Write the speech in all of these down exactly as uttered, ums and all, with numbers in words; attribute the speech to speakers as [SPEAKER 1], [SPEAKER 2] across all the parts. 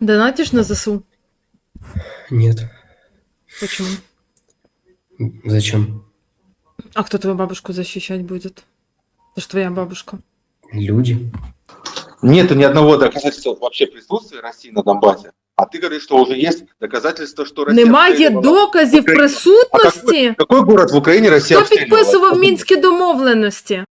[SPEAKER 1] Донатишь на ЗСУ?
[SPEAKER 2] Нет.
[SPEAKER 1] Почему?
[SPEAKER 2] Зачем?
[SPEAKER 1] А кто твою бабушку защищать будет? Это ж твоя бабушка.
[SPEAKER 2] Люди.
[SPEAKER 3] Нет ни одного доказательства вообще присутствия России на Донбассе. А ты говоришь, что уже есть доказательства, что Россия
[SPEAKER 1] Немає
[SPEAKER 3] обстреливала
[SPEAKER 1] доказів
[SPEAKER 3] Украину. А
[SPEAKER 1] присутності?
[SPEAKER 3] какой, какой город в Украине Россия
[SPEAKER 1] Хто
[SPEAKER 3] обстреливала?
[SPEAKER 1] підписував Мінські домовленості?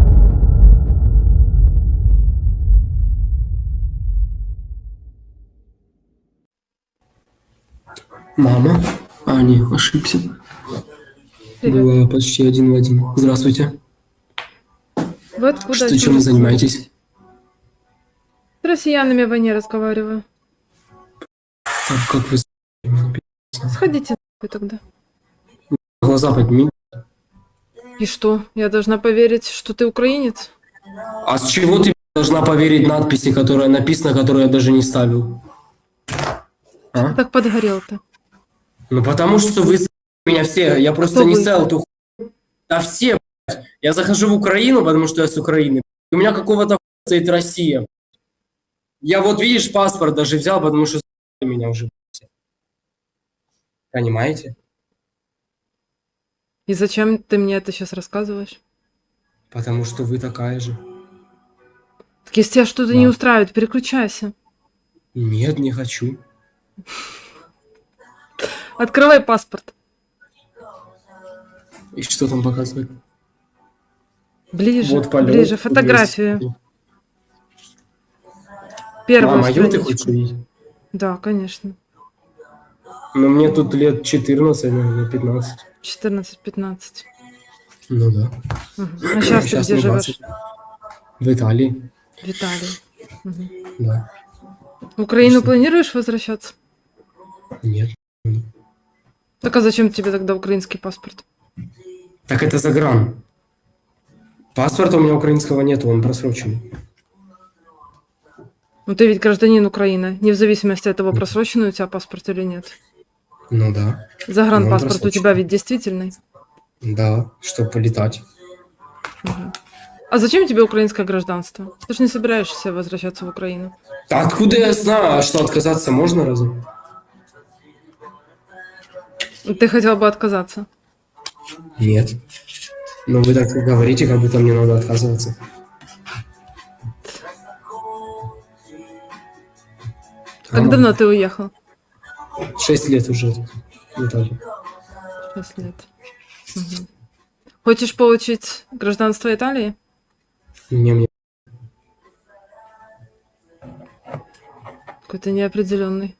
[SPEAKER 2] Мама? А, не, ошибся.
[SPEAKER 1] Привет.
[SPEAKER 2] Было почти один в один. Здравствуйте.
[SPEAKER 1] Вы откуда?
[SPEAKER 2] Что,
[SPEAKER 1] О чем
[SPEAKER 2] чем вы занимаетесь?
[SPEAKER 1] С россиянами в войне разговариваю.
[SPEAKER 2] Так, как вы...
[SPEAKER 1] Сходите нахуй тогда.
[SPEAKER 2] Глаза подними.
[SPEAKER 1] И что? Я должна поверить, что ты украинец?
[SPEAKER 2] А с чего ты должна поверить надписи, которая написана, которую я даже не ставил? А?
[SPEAKER 1] Так подгорел-то.
[SPEAKER 2] Ну потому что вы меня все, я просто
[SPEAKER 1] Кто
[SPEAKER 2] не
[SPEAKER 1] вы?
[SPEAKER 2] ставил эту хуйню. А все, блядь. Я захожу в Украину, потому что я с Украины. У меня какого-то хуя стоит Россия. Я вот, видишь, паспорт даже взял, потому что меня уже. Понимаете?
[SPEAKER 1] И зачем ты мне это сейчас рассказываешь?
[SPEAKER 2] Потому что вы такая же.
[SPEAKER 1] Так если тебя что-то
[SPEAKER 2] Да.
[SPEAKER 1] не устраивает, переключайся.
[SPEAKER 2] Нет, не хочу.
[SPEAKER 1] Открывай паспорт.
[SPEAKER 2] И что там показывает?
[SPEAKER 1] Ближе,
[SPEAKER 2] Вот полет.
[SPEAKER 1] ближе, фотографию. Первую
[SPEAKER 2] Мама, мою ты
[SPEAKER 1] страничку.
[SPEAKER 2] хочешь увидеть?
[SPEAKER 1] Да, конечно.
[SPEAKER 2] Ну, мне тут лет четырнадцать, наверное, пятнадцать.
[SPEAKER 1] четырнадцать-пятнадцать.
[SPEAKER 2] Ну да.
[SPEAKER 1] Угу. А сейчас ты
[SPEAKER 2] Сейчас
[SPEAKER 1] где
[SPEAKER 2] мне
[SPEAKER 1] живешь?
[SPEAKER 2] двадцать. В Италии.
[SPEAKER 1] В Италии. Угу.
[SPEAKER 2] Да.
[SPEAKER 1] В Украину
[SPEAKER 2] Что?
[SPEAKER 1] планируешь возвращаться?
[SPEAKER 2] Нет.
[SPEAKER 1] Так а зачем тебе тогда украинский паспорт?
[SPEAKER 2] Так это загран. Паспорта у меня украинского нету, он просроченный.
[SPEAKER 1] Ну ты ведь гражданин Украины, не в зависимости от того, просроченный у тебя паспорт или нет.
[SPEAKER 2] Ну да.
[SPEAKER 1] Загранпаспорт
[SPEAKER 2] Ну,
[SPEAKER 1] у тебя ведь действительный.
[SPEAKER 2] Да, чтобы полетать.
[SPEAKER 1] Угу. А зачем тебе украинское гражданство? Ты же не собираешься возвращаться в Украину.
[SPEAKER 2] А откуда я знаю, что отказаться можно разве?
[SPEAKER 1] Ты хотел бы отказаться?
[SPEAKER 2] Нет. Но вы так говорите, как будто мне надо отказываться.
[SPEAKER 1] Как
[SPEAKER 2] А,
[SPEAKER 1] давно ты уехал?
[SPEAKER 2] Шесть лет уже в Италии.
[SPEAKER 1] Шесть лет. Угу. Хочешь получить гражданство Италии?
[SPEAKER 2] Не, мне...
[SPEAKER 1] Какой-то неопределенный.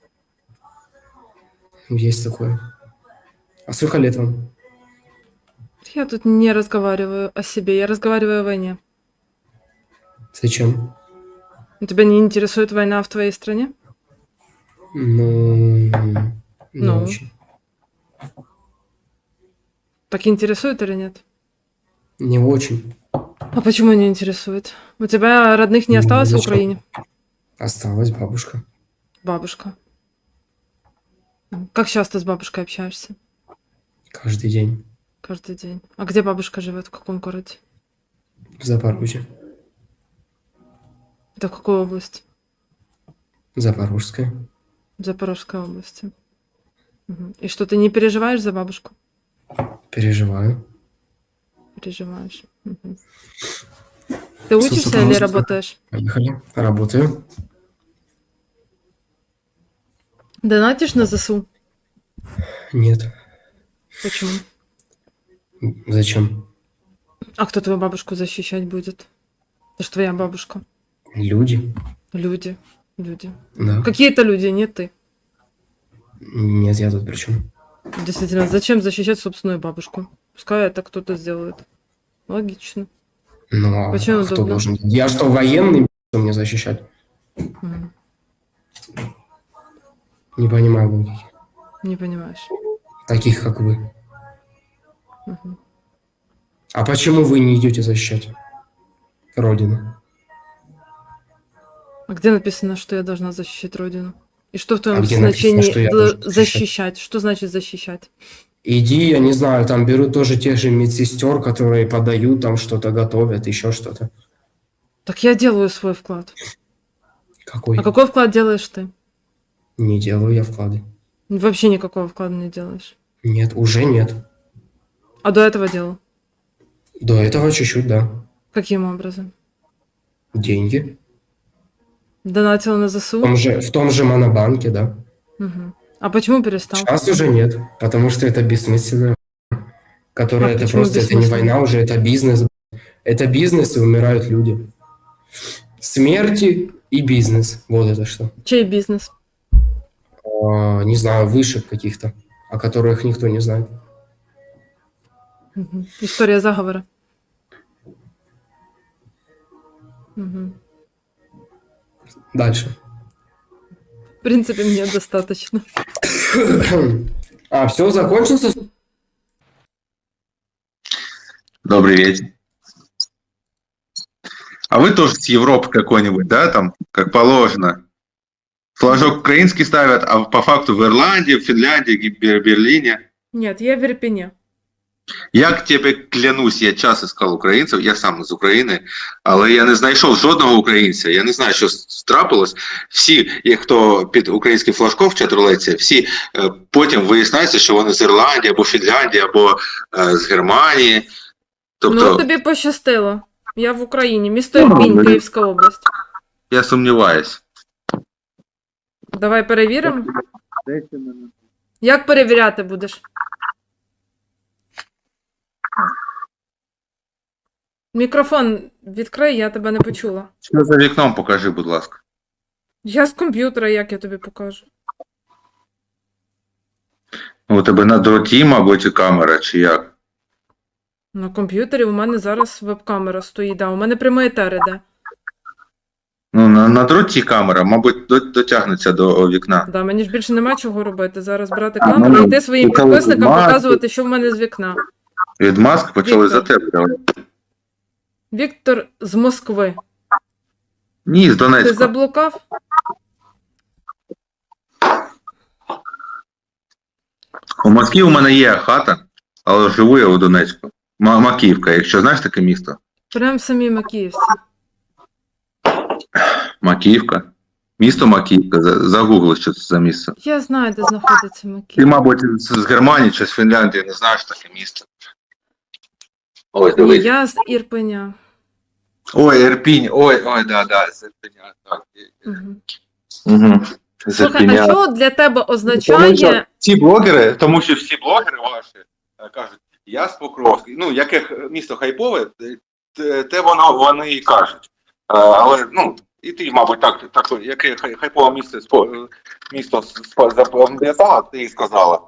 [SPEAKER 2] Есть такое. А сколько лет вам?
[SPEAKER 1] Я тут не разговариваю о себе, я разговариваю о войне.
[SPEAKER 2] Зачем?
[SPEAKER 1] Тебя не интересует война в твоей стране?
[SPEAKER 2] Ну, не
[SPEAKER 1] Ну.
[SPEAKER 2] очень.
[SPEAKER 1] Так интересует или нет?
[SPEAKER 2] Не очень.
[SPEAKER 1] А почему не интересует? У тебя родных не
[SPEAKER 2] Ну,
[SPEAKER 1] осталось в
[SPEAKER 2] зачем?
[SPEAKER 1] Украине?
[SPEAKER 2] Осталась бабушка.
[SPEAKER 1] Бабушка. Как часто с бабушкой общаешься?
[SPEAKER 2] Каждый день.
[SPEAKER 1] Каждый день. А где бабушка живет? В каком городе?
[SPEAKER 2] В Запорожье.
[SPEAKER 1] Это в какой области?
[SPEAKER 2] Запорожская.
[SPEAKER 1] В Запорожской области. Угу. И что, ты не переживаешь за бабушку?
[SPEAKER 2] Переживаю.
[SPEAKER 1] Переживаешь. Угу. Ты учишься
[SPEAKER 2] Слушай,
[SPEAKER 1] или
[SPEAKER 2] пожалуйста.
[SPEAKER 1] работаешь?
[SPEAKER 2] Поехали. Работаю.
[SPEAKER 1] Донатишь на ЗСУ?
[SPEAKER 2] Нет.
[SPEAKER 1] Почему?
[SPEAKER 2] Зачем?
[SPEAKER 1] А кто твою бабушку защищать будет? Это ж твоя бабушка.
[SPEAKER 2] Люди.
[SPEAKER 1] Люди. Люди.
[SPEAKER 2] Да.
[SPEAKER 1] Какие-то люди, не ты.
[SPEAKER 2] Нет, я тут при чем?
[SPEAKER 1] Действительно, зачем защищать собственную бабушку? Пускай это кто-то сделает. Логично.
[SPEAKER 2] Ну, а
[SPEAKER 1] Почему
[SPEAKER 2] кто
[SPEAKER 1] удобно?
[SPEAKER 2] должен? Я что, военный, что мне защищать?
[SPEAKER 1] Мгм.
[SPEAKER 2] Не понимаю логики.
[SPEAKER 1] Не понимаешь.
[SPEAKER 2] Таких, как вы.
[SPEAKER 1] Мгм.
[SPEAKER 2] А почему вы не идете защищать Родину?
[SPEAKER 1] А где написано, что я должна защищать Родину? И что в твоем
[SPEAKER 2] А где написано,
[SPEAKER 1] значении
[SPEAKER 2] что я
[SPEAKER 1] дл-
[SPEAKER 2] должен защищать?
[SPEAKER 1] защищать? Что значит защищать?
[SPEAKER 2] Иди, я не знаю, там берут тоже тех же медсестер, которые подают, там что-то готовят, еще что-то.
[SPEAKER 1] Так я делаю свой вклад.
[SPEAKER 2] Какой?
[SPEAKER 1] А какой вклад делаешь ты?
[SPEAKER 2] Не делаю я вклады.
[SPEAKER 1] Вообще никакого вклада не делаешь.
[SPEAKER 2] Нет, уже нет.
[SPEAKER 1] А до этого делал?
[SPEAKER 2] До этого чуть-чуть, да.
[SPEAKER 1] Каким образом?
[SPEAKER 2] Деньги.
[SPEAKER 1] Донатил на
[SPEAKER 2] В
[SPEAKER 1] ЗСУ?
[SPEAKER 2] том же, в том же Монобанке, да.
[SPEAKER 1] Мгм. А почему перестал?
[SPEAKER 2] Сейчас уже нет, потому что это бессмысленно. Которая
[SPEAKER 1] А
[SPEAKER 2] это
[SPEAKER 1] почему
[SPEAKER 2] просто, это не
[SPEAKER 1] бессмысленно?
[SPEAKER 2] война уже, это бизнес. Это бизнес, и умирают люди. Смерти и бизнес. Вот это что.
[SPEAKER 1] Чей бизнес?
[SPEAKER 2] А, не знаю, вышек каких-то, о которых никто не знает.
[SPEAKER 1] Мгм. История заговора. Мгм.
[SPEAKER 2] Дальше.
[SPEAKER 1] В принципе, мне достаточно.
[SPEAKER 2] А, все, закончился?
[SPEAKER 3] Добрый вечер. А вы тоже с Европы какой-нибудь, да, там, как положено? Флажок украинский ставят, а по факту в Ирландии, в Финляндии, в Бер- Берлине.
[SPEAKER 1] Нет, я в Ірпені.
[SPEAKER 3] Я к тебе клянусь, я час іскав українців, я сам з України, але я не знайшов жодного українця. Я не знаю, що трапилось. Всі, хто під українським флажком в чатрулеці, всі е, потім виясняється, що вони з Ірландії, або Фінляндії, або е, з Германії. Тобто,
[SPEAKER 1] Ну, тобі пощастило. Я в Україні. Місто
[SPEAKER 3] Ну,
[SPEAKER 1] Ірпінь,
[SPEAKER 3] ну,
[SPEAKER 1] Київська область.
[SPEAKER 3] я сумніваюсь.
[SPEAKER 1] Давай перевіримо. Як перевіряти будеш? Мікрофон відкрий, я тебе не почула.
[SPEAKER 3] Що за вікном покажи, будь ласка.
[SPEAKER 1] Я з комп'ютера, як я тобі покажу?
[SPEAKER 3] У тебе на дроті, мабуть, і камера, чи як?
[SPEAKER 1] На комп'ютері у мене зараз веб-камера стоїть, да. У мене прямий етер іде.
[SPEAKER 3] Ну, на, на дроті камера, мабуть, до- дотягнеться до вікна.
[SPEAKER 1] Да, мені ж більше нема чого робити. Зараз брати
[SPEAKER 3] А,
[SPEAKER 1] камеру
[SPEAKER 3] ну,
[SPEAKER 1] і йти своїм
[SPEAKER 3] почали
[SPEAKER 1] підписникам
[SPEAKER 3] знімати.
[SPEAKER 1] показувати, що в мене з вікна.
[SPEAKER 3] Від маски почали
[SPEAKER 1] Віктор.
[SPEAKER 3] за тебе.
[SPEAKER 1] Віктор з Москви.
[SPEAKER 3] Ні, з
[SPEAKER 1] Ти
[SPEAKER 3] Донецька.
[SPEAKER 1] заблукав?
[SPEAKER 3] У Москві у мене є хата, але живу я у Донецьку. Ма- Макіївка, якщо знаєш таке місто.
[SPEAKER 1] Прям в самій Макіївці.
[SPEAKER 3] Макіївка. Місто Макіївка. За- Загугли, що це за місце.
[SPEAKER 1] Я знаю, де знаходиться
[SPEAKER 3] Ти,
[SPEAKER 1] Макіїв.
[SPEAKER 3] мабуть, з з Германії чи з Фінляндії не знаєш таке місто. Ось,
[SPEAKER 1] Ні,
[SPEAKER 3] дивись.
[SPEAKER 1] я з Ірпеня.
[SPEAKER 3] Ой, Ірпінь, ой, ой, да, да, з Ірпеня. Так.
[SPEAKER 1] Угу.
[SPEAKER 3] Угу. З
[SPEAKER 1] Слухай,
[SPEAKER 3] Ірпеня.
[SPEAKER 1] а що для тебе
[SPEAKER 3] Тому що
[SPEAKER 1] означає...
[SPEAKER 3] ці блогери, тому що всі блогери ваші е, кажуть, я з Покровська, ну, яке місто хайпове, те, те воно вони і кажуть. Е, Але, ну, і ти, мабуть, так, так яке хай- хайпове місто, спо- місто спо- запам'ятала, ти і сказала.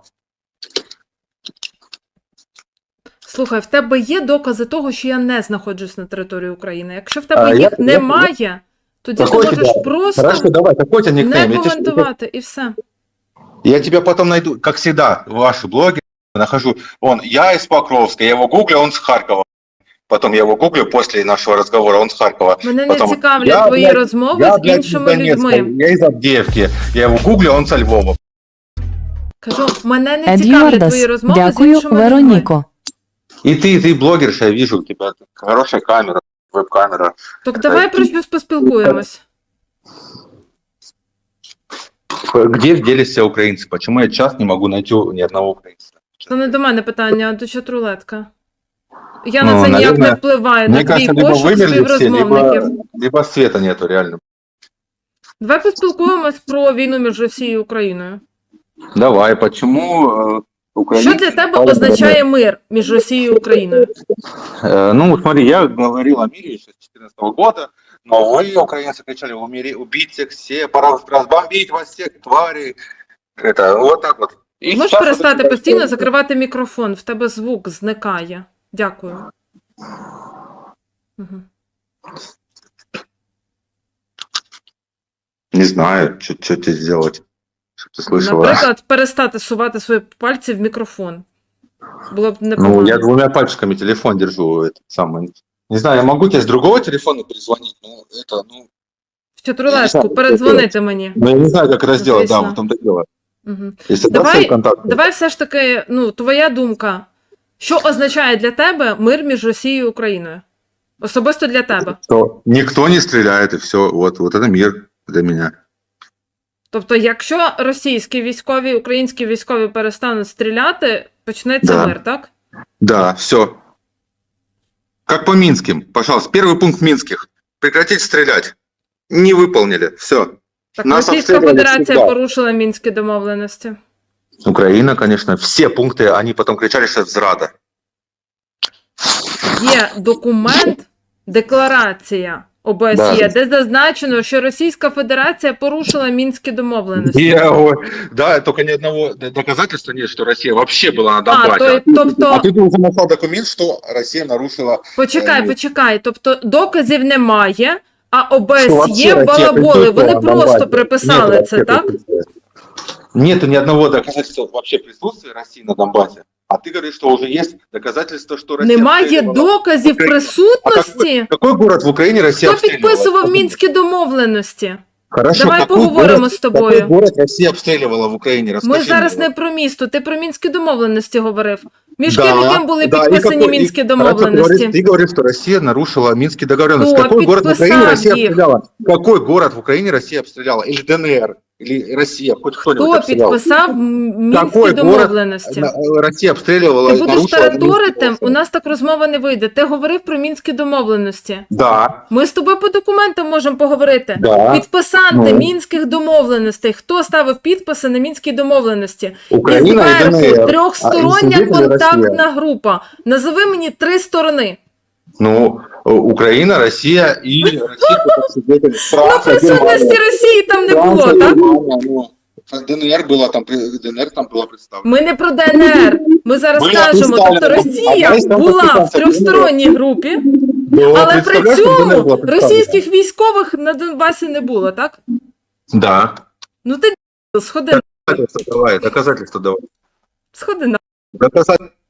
[SPEAKER 1] Слухай, в тебе є докази того, що я не знаходжусь на території України? Якщо в тебе
[SPEAKER 3] А, я-
[SPEAKER 1] їх
[SPEAKER 3] я-
[SPEAKER 1] немає, тоді ти
[SPEAKER 3] Какой
[SPEAKER 1] можеш
[SPEAKER 3] тебе?
[SPEAKER 1] просто
[SPEAKER 3] Хорошо, давай, какой у тебя
[SPEAKER 1] не
[SPEAKER 3] никнейм? Я, тебе-
[SPEAKER 1] коментувати і все.
[SPEAKER 3] я тебя потом найду, как всегда, ваши блоги нахожу. Он, я из Покровска, я его гуглю, он с Харькова. Потом я его гуглю после нашего разговора, он с Харькова.
[SPEAKER 1] Мене не
[SPEAKER 3] Потом,
[SPEAKER 1] цікавлять
[SPEAKER 3] я,
[SPEAKER 1] твої
[SPEAKER 3] блядь,
[SPEAKER 1] розмови
[SPEAKER 3] Я,
[SPEAKER 1] з
[SPEAKER 3] блядь, из
[SPEAKER 1] іншими
[SPEAKER 3] Донецка,
[SPEAKER 1] людьми.
[SPEAKER 3] я из Авдеевки. Я его гуглю, он со Львова.
[SPEAKER 1] Кажу, мене не цікавлять
[SPEAKER 4] Едюардас,
[SPEAKER 1] твої розмови з
[SPEAKER 4] дякую,
[SPEAKER 1] іншими людьми.
[SPEAKER 4] Вероніко.
[SPEAKER 3] И ты, ты блогерша, я вижу, у тебя хорошая камера, веб-камера.
[SPEAKER 1] Так давай про щось поспілкуємось.
[SPEAKER 3] Где делись все украинцы? Почему я час не могу найти ни одного украинца?
[SPEAKER 1] Це не до мене питання, а до чатрулетка. Я
[SPEAKER 3] Ну,
[SPEAKER 1] на це ніяк
[SPEAKER 3] наверное,
[SPEAKER 1] не впливаю,
[SPEAKER 3] Мне
[SPEAKER 1] на твій
[SPEAKER 3] кажется, либо
[SPEAKER 1] пошук
[SPEAKER 3] вымерли все,
[SPEAKER 1] співрозмовників.
[SPEAKER 3] либо, либо света нету, реально.
[SPEAKER 1] Давай поспілкуємось про війну між Росією і Україною.
[SPEAKER 3] Давай, почему э, украинцы...
[SPEAKER 1] Що для тебе означає мир між Росією і Україною?
[SPEAKER 3] Э, ну, смотри, я говорил о мире еще с две тысячи четырнадцатого года, но вы, украинцы, кричали, умери, убить всех, все, пора разбомбить вас всех, твари. Это вот так вот. И
[SPEAKER 1] Можеш
[SPEAKER 3] сейчас
[SPEAKER 1] перестати
[SPEAKER 3] вот-
[SPEAKER 1] постійно закривати мікрофон, в тебе звук зникає. Дякую. Угу.
[SPEAKER 3] Не знаю, что тебе сделать, чтобы ты слышала.
[SPEAKER 1] Наприклад, перестати сувати свої пальці в мікрофон. Було б непогано.
[SPEAKER 3] Ну, я двумя пальчиками телефон держу, это самое. Не знаю, я могу тебе с другого телефона перезвонить, но это, ну...
[SPEAKER 1] В чатрулетку,
[SPEAKER 3] знаю,
[SPEAKER 1] передзвонити мені.
[SPEAKER 3] Ну, я не знаю, как это сделать, да,
[SPEAKER 1] Звісно.
[SPEAKER 3] в том-то и дело.
[SPEAKER 1] Угу.
[SPEAKER 3] Если
[SPEAKER 1] Давай-
[SPEAKER 3] даст контакт,
[SPEAKER 1] Давай все ж таки, ну, твоя думка. Що означає для тебе мир між Росією і Україною? Особисто для тебе.
[SPEAKER 3] то никто не стреляет, и все, вот, вот это мир для меня.
[SPEAKER 1] Тобто, якщо російські військові, українські військові перестануть стріляти, почнеться
[SPEAKER 3] Да.
[SPEAKER 1] мир, так?
[SPEAKER 3] Да, все. Как по Минским. Пожалуйста, первый пункт Минских. Прекратить стрелять. Не выполнили. Все.
[SPEAKER 1] Так,
[SPEAKER 3] Нас
[SPEAKER 1] Російська
[SPEAKER 3] обстрілювали
[SPEAKER 1] Федерація
[SPEAKER 3] всегда.
[SPEAKER 1] порушила мінські домовленості.
[SPEAKER 3] Украина, конечно, все пункты, они потом кричали, что это зрада.
[SPEAKER 1] Є документ, декларація ОБСЄ,
[SPEAKER 3] Да.
[SPEAKER 1] де зазначено, що Російська Федерація порушила мінські домовленості.
[SPEAKER 3] Я, ой, да, только ни одного д- доказательства нет, что Россия вообще была на
[SPEAKER 1] А,
[SPEAKER 3] Донбассе.
[SPEAKER 1] то,
[SPEAKER 3] А ты
[SPEAKER 1] тобто,
[SPEAKER 3] уже нашел документ, что Россия нарушила...
[SPEAKER 1] почекай,
[SPEAKER 3] Е,
[SPEAKER 1] почекай, тобто доказів немає, а
[SPEAKER 3] что
[SPEAKER 1] ОБСЄ
[SPEAKER 3] вообще Россия
[SPEAKER 1] балаболи, вони
[SPEAKER 3] присутствовала на
[SPEAKER 1] просто
[SPEAKER 3] Донбассе.
[SPEAKER 1] приписали
[SPEAKER 3] Нет
[SPEAKER 1] це,
[SPEAKER 3] вообще
[SPEAKER 1] так?
[SPEAKER 3] присутствия. Нету ни одного доказательства вообще присутствия России на Донбассе. А ты говоришь, что уже есть доказательства, что Россия...
[SPEAKER 1] Немає
[SPEAKER 3] обстреливала.
[SPEAKER 1] доказів
[SPEAKER 3] Україну.
[SPEAKER 1] присутності?
[SPEAKER 3] Какой город в Украине Россия
[SPEAKER 1] Хто
[SPEAKER 3] обстреливала?
[SPEAKER 1] підписував мінські домовленості?
[SPEAKER 3] Хорошо,
[SPEAKER 1] Давай
[SPEAKER 3] какой
[SPEAKER 1] поговоримо
[SPEAKER 3] город,
[SPEAKER 1] з тобою.
[SPEAKER 3] Какой город Россия обстреливала в Украине? Расскажи
[SPEAKER 1] Ми зараз
[SPEAKER 3] мне.
[SPEAKER 1] не про місто, ти про мінські домовленості говорив. Між
[SPEAKER 3] Да,
[SPEAKER 1] ким і ким були
[SPEAKER 3] да, и
[SPEAKER 1] підписані
[SPEAKER 3] какой-
[SPEAKER 1] мінські
[SPEAKER 3] и- хорошо, ты
[SPEAKER 1] домовленості?
[SPEAKER 3] говоришь- Ты говоришь, что Россия нарушила Минские договоренности.
[SPEAKER 1] Кто
[SPEAKER 3] Какой город в Украине
[SPEAKER 1] подписал
[SPEAKER 3] Россия
[SPEAKER 1] их?
[SPEAKER 3] обстреляла? Какой город в Украине Россия обстреляла? Или ДНР? Или Россия? Хоть кто-нибудь
[SPEAKER 1] Хто
[SPEAKER 3] обстрелял?
[SPEAKER 1] підписав м- мінські
[SPEAKER 3] Какой город
[SPEAKER 1] домовленості?
[SPEAKER 3] На- Россия обстреливала
[SPEAKER 1] Ти
[SPEAKER 3] и
[SPEAKER 1] будеш
[SPEAKER 3] нарушила
[SPEAKER 1] тараторити,
[SPEAKER 3] Минские
[SPEAKER 1] у нас так розмова не вийде. Ти говорив про мінські домовленості.
[SPEAKER 3] Да,
[SPEAKER 1] Ми з тобою по документам можемо поговорити.
[SPEAKER 3] да.
[SPEAKER 1] Підписанти
[SPEAKER 3] Ну.
[SPEAKER 1] мінських домовленостей. Хто ставив підписи на мінські домовленості?
[SPEAKER 3] Украина
[SPEAKER 1] І
[SPEAKER 3] и
[SPEAKER 1] зверху
[SPEAKER 3] ДНР. А,
[SPEAKER 1] трьохстороння
[SPEAKER 3] и свидетели
[SPEAKER 1] контактна
[SPEAKER 3] Россия.
[SPEAKER 1] група. Назови мені три сторони.
[SPEAKER 3] Ну, э, Украина, Россия и Россия как свидетель.
[SPEAKER 1] Ну,
[SPEAKER 3] Франция,
[SPEAKER 1] присутності
[SPEAKER 3] Германия.
[SPEAKER 1] Росії там не було,
[SPEAKER 3] Франция,
[SPEAKER 1] так?
[SPEAKER 3] Германия, ну, ДНР было там, при- ДНР там было представлено.
[SPEAKER 1] Ми не про ДНР. Ми зараз
[SPEAKER 3] Ми
[SPEAKER 1] кажемо,
[SPEAKER 3] представлені.
[SPEAKER 1] тобто Росія
[SPEAKER 3] А десь там
[SPEAKER 1] була в
[SPEAKER 3] підписався
[SPEAKER 1] трьохсторонній групі,
[SPEAKER 3] Да,
[SPEAKER 1] але при
[SPEAKER 3] представляешь, как ДНР
[SPEAKER 1] цьому
[SPEAKER 3] была представлена?
[SPEAKER 1] російських військових на Донбасі не було, так?
[SPEAKER 3] Да.
[SPEAKER 1] Ну ти сходи,
[SPEAKER 3] Доказательства давай, доказательства давай.
[SPEAKER 1] сходи на.
[SPEAKER 3] Доказательства.